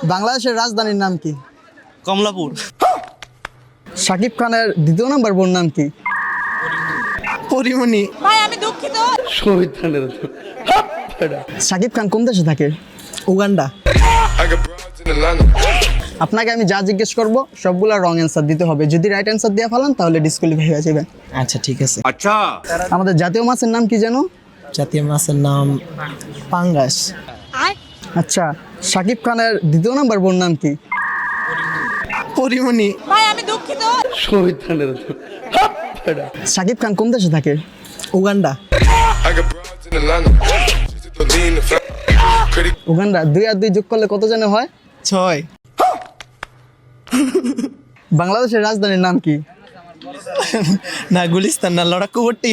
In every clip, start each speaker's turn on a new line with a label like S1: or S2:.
S1: বাংলাদেশের রাজধানীর নাম কি?
S2: কমলাপুর।
S1: শাকিব খানের দ্বিতীয় নাম্বার বোন নাম কি?
S3: পরিমণি।
S4: ভাই আমি দুঃখিত।
S1: শাকিব খান কোন দেশে থাকে?
S3: উগান্ডা।
S1: আপনাকে আমি যা জিজ্ঞেস করব সবগুলা রং অ্যান্সার দিতে হবে। যদি রাইট অ্যান্সার দিয়ে ফেলান তাহলে ডিসকোয়ালিফাই হয়ে যাবে।
S3: আচ্ছা ঠিক আছে।
S1: আমাদের জাতীয় মাছের নাম কি জানো?
S3: জাতীয় মাছের নাম পাঙ্গাস।
S1: আচ্ছা, শাকিব খানের দ্বিতীয় নাম্বার বোন নাম কি?
S3: পরিমণি।
S4: ভাই আমি দুঃখিত।
S1: শাকিব খান কোন দেশে থাকে?
S3: উগান্ডা।
S1: উগান্ডা। 2 আর 2 যোগ করলে কত জানে হয়?
S3: 6।
S1: বাংলাদেশের রাজধানীর নাম কি?
S3: না গুলিস্তান না, লড়াকুবটি।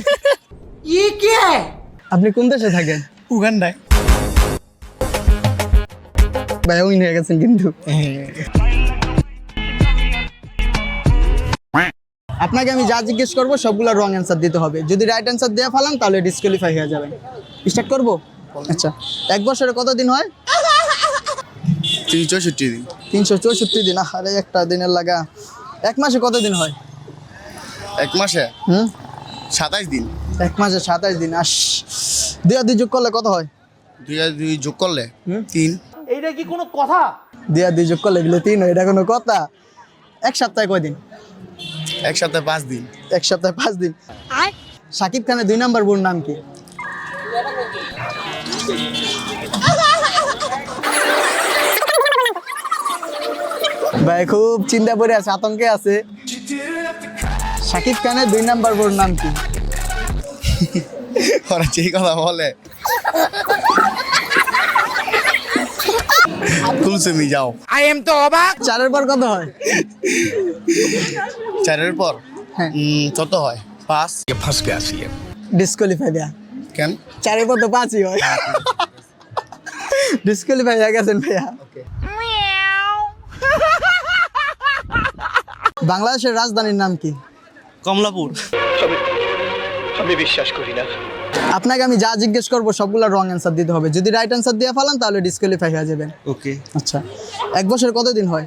S1: আপনি কোন দেশে থাকেন?
S3: উগান্ডায়।
S1: ভাই উইন হয়ে গেছেন কিন্তু। আপনাকে আমি যা জিজ্ঞেস করব সবগুলা রং অ্যান্সার দিতে হবে। যদি রাইট অ্যান্সার দিয়ে ফেলান তাহলে ডিসকোয়ালিফাই হয়ে যাবেন। স্টার্ট করব? আচ্ছা, এক বছরে কত দিন হয়?
S2: 364 দিন।
S1: 364 দিন। আরে একটা দিনের লাগা। এক মাসে কত দিন হয়?
S2: এক মাসে 27 দিন।
S1: এক মাসে 27 দিন। 2 আর 2 যোগ করলে কত হয়?
S2: 2 আর 2 যোগ করলে 3।
S1: 2 আর 2 যোগ করলে বলে 3 হয়, এটা কোনো কথা? এক সপ্তাহে কয় দিন?
S2: এক সপ্তাহে 5 দিন।
S1: এক সপ্তাহে 5 দিন। শাকিব খানের 2 নাম্বার বোন নাম কি? ভাই খুব চিন্তা করে আছে, আতঙ্কে আছে। শাকিব খানের 2 নাম্বার বোন নাম কি?
S2: ওরা যেই কথা বলে কুলসুমি যাও।
S1: চারের পর কত হয়?
S2: 4 এর পর
S1: হ্যাঁ।
S2: কত হয়? 5।
S1: ডিসকোয়ালিফাই দেয়া।
S2: কেন?
S1: চারের পর তো 5ই হয়। ডিসকোয়ালিফাই হয়ে গেছেন ভাইয়া। বাংলাদেশের রাজধানীর নাম কি?
S2: কমলাপুর।
S1: আপনাকে আমি যা জিজ্ঞেস করবো সবগুলা রং অ্যান্সার দিতে হবে। যদি রাইট অ্যান্সার দিয়ে ফেলান তাহলে ডিসকোয়ালিফাই হয়ে যাবেন।
S2: ওকে।
S1: আচ্ছা, এক বছরে কত দিন হয়?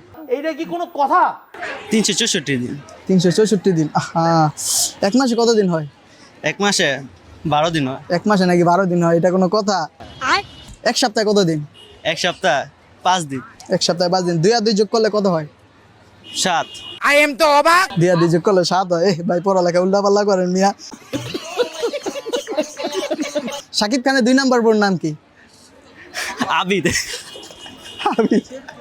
S2: 364 দিন।
S1: 364 দিন। এক মাসে কত দিন হয়?
S2: এক মাসে 12 দিন হয়।
S1: এক মাসে নাকি 12 দিন হয়, এটা কোনো কথা? এক সপ্তাহে কত দিন?
S2: এক সপ্তাহ 5 দিন।
S1: এক সপ্তাহে 5 দিন। 2 আর 2 যোগ করলে কত হয়?
S2: 7।
S1: 2 আর 2 যোগ করলে 7 হয়। ভাই পড়ালেখা উল্টা পাল্লা করেন মিয়া। শাকিব খানের 2 নাম্বার বোন নাম কি?
S2: আবিদ।
S1: আবিদ।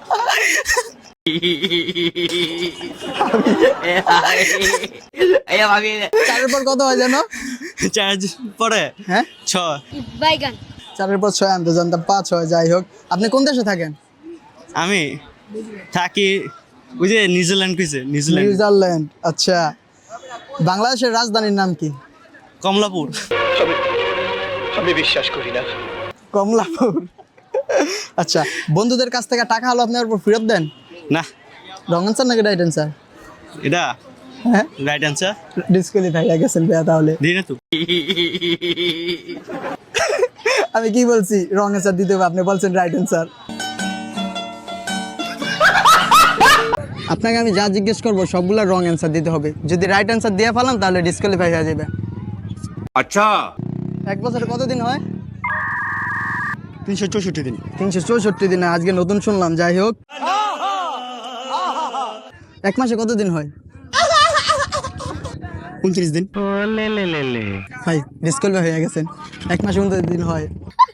S1: চারের পর কত হয় জানো?
S2: 4 পরে
S1: হ্যাঁ
S2: 6।
S4: বাইগান।
S1: 4-এর পর 6 আমি তো জানতাম 5 হয়। যাই হোক, আপনি কোন দেশে থাকেন?
S2: আমি থাকি ওই যে নিউজিল্যান্ড কইছে, নিউজিল্যান্ড।
S1: নিউজিল্যান্ড। আচ্ছা, বাংলাদেশের রাজধানীর নাম কি?
S2: কমলাপুর।
S1: কমলাপুর। আচ্ছা, বন্ধুদের কাছ থেকে টাকা হলো আপনার উপর ফেরত দেন?
S2: না,
S1: রং অ্যান্সার নাকি রাইট অ্যান্সার?
S2: এটা
S1: হ্যাঁ,
S2: রাইট অ্যান্সার।
S1: ডিসকোয়ালিফাই হয়ে গেছেন ভাইয়া তাহলে।
S2: দিই না তো।
S1: আমি কি বলছি? রং অ্যান্সার দিতে হবে, আপনি বলছেন রাইট অ্যান্সার। আপনাকে আমি যা জিজ্ঞেস করবো সবগুলা রং অ্যান্সার দিতে হবে। যদি রাইট অ্যান্সার দিয়ে ফেলান তাহলে ডিসকোয়ালিফাই হয়ে যাবে।
S2: আচ্ছা,
S1: এক বছরে কত দিন হয়?
S2: 364 দিন।
S1: 364 দিন। আজকে নতুন শুনলাম। যাই হোক, এক মাসে কত দিন হয়?
S2: 29 দিন।
S1: ভাই ডিসকোয়ালিফাই হয়ে গেছেন। এক মাসে 29 দিন হয়।